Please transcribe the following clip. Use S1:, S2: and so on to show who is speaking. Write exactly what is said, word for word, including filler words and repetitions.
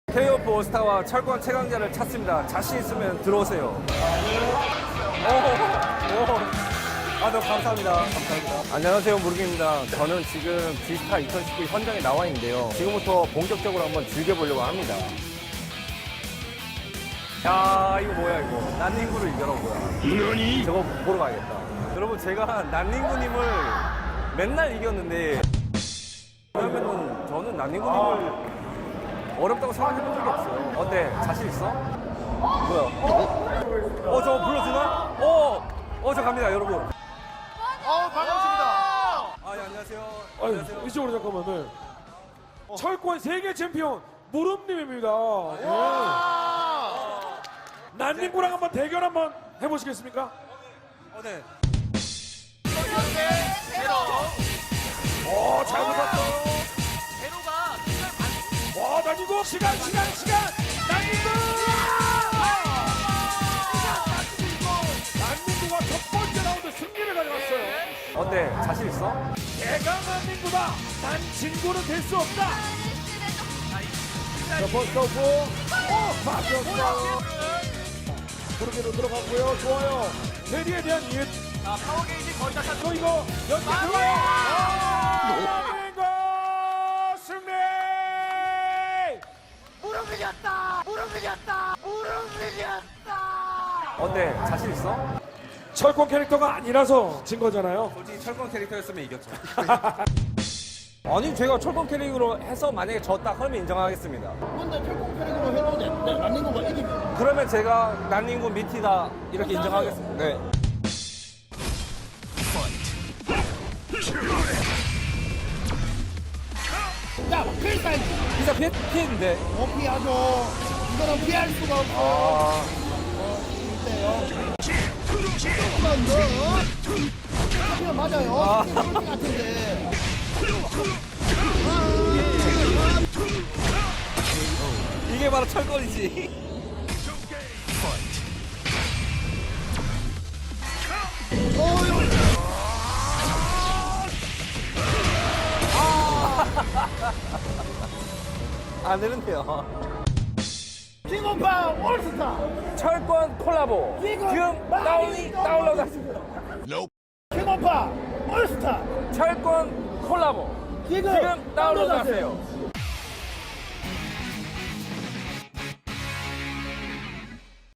S1: 케이오프 올스타와 철권 최강자를 찾습니다. 자신 있으면 들어오세요. 오, 오. 아, 너무 감사합니다. 감사합니다. 안녕하세요, 무르기입니다. 저는 지금 지스타 이천십구 현장에 나와 있는데요. 지금부터 본격적으로 한번 즐겨보려고 합니다. 야, 이거 뭐야, 이거. 난닝구를 이겨라, 뭐야. 저거 보러 가야겠다. 여러분, 제가 난닝구님을 맨날 이겼는데, 그러면은 저는 난닝구님을 어렵다고 생각해본 적이 없어요. 어때? 자신 있어? 뭐야? 어, 어 저거 불러주나? 어, 어, 저 갑니다, 여러분.
S2: 어, 반갑습니다.
S1: 아, 예, 안녕하세요.
S3: 아유,
S1: 안녕하세요.
S3: 이쪽으로 잠깐만. 네. 철권 세계 챔피언 무릎님입니다. 예. 난닝구랑 한번 대결 한번 해보시겠습니까?
S1: 어, 네.
S3: 오, 잘 붙었어.
S2: 제로가
S3: 와, 난닝구 시간, 시간, 시간. 난닝구! 난닝구가 첫 번째 라운드 승리를 가져갔어요.
S1: 어때? 자신 있어?
S3: 내가 난닝구다. 난 진구는 될 수 없다. 자, 버스터 구. 오, 맞췄어. 부르기로 들어갔고요. 좋아요. 대리에 대한 이해.
S2: 자, 파워 게이지 거의 다 찼죠.
S3: 또 이거 연계 들어가요. 난닝구 승리.
S2: 무릎 이겼다. 무릎 이겼다. 무릎 이겼다.
S1: 어때? 자신 있어?
S3: 철권 캐릭터가 아니라서 진 거잖아요.
S1: 솔직히 철권 캐릭터였으면 이겼죠. 아니, 제가 철권 캐릭터로 해서 만약에 졌다 그러면 인정하겠습니다.
S4: 근데 철권 캐릭으로 해도 돼. 네, 난닝구가 이기면.
S1: 그러면 제가 난닝구 미티다 이렇게 인정하겠습니다. 네.
S4: 야, 필살기.
S1: 피자 피, 피했는데.
S4: 못 피하죠. 이거는 피할 수가 없어.
S1: 아,
S4: 어때요? 한번 더. 그냥 맞아요.
S1: 아.
S4: 이게 그럴 것 같은데.
S1: 이게 바로 철권이지. 안 되는데요.
S4: 킹오파 올스타.
S1: 철권 콜라보.
S4: 지금
S1: 지금
S4: 많이
S1: 다운이 다운로드 하십니다.
S4: 킹오파 올스타.
S1: 철권 콜라보.
S4: 지금
S1: 지금 다운로드
S4: 다운로드하세요.
S1: 하세요.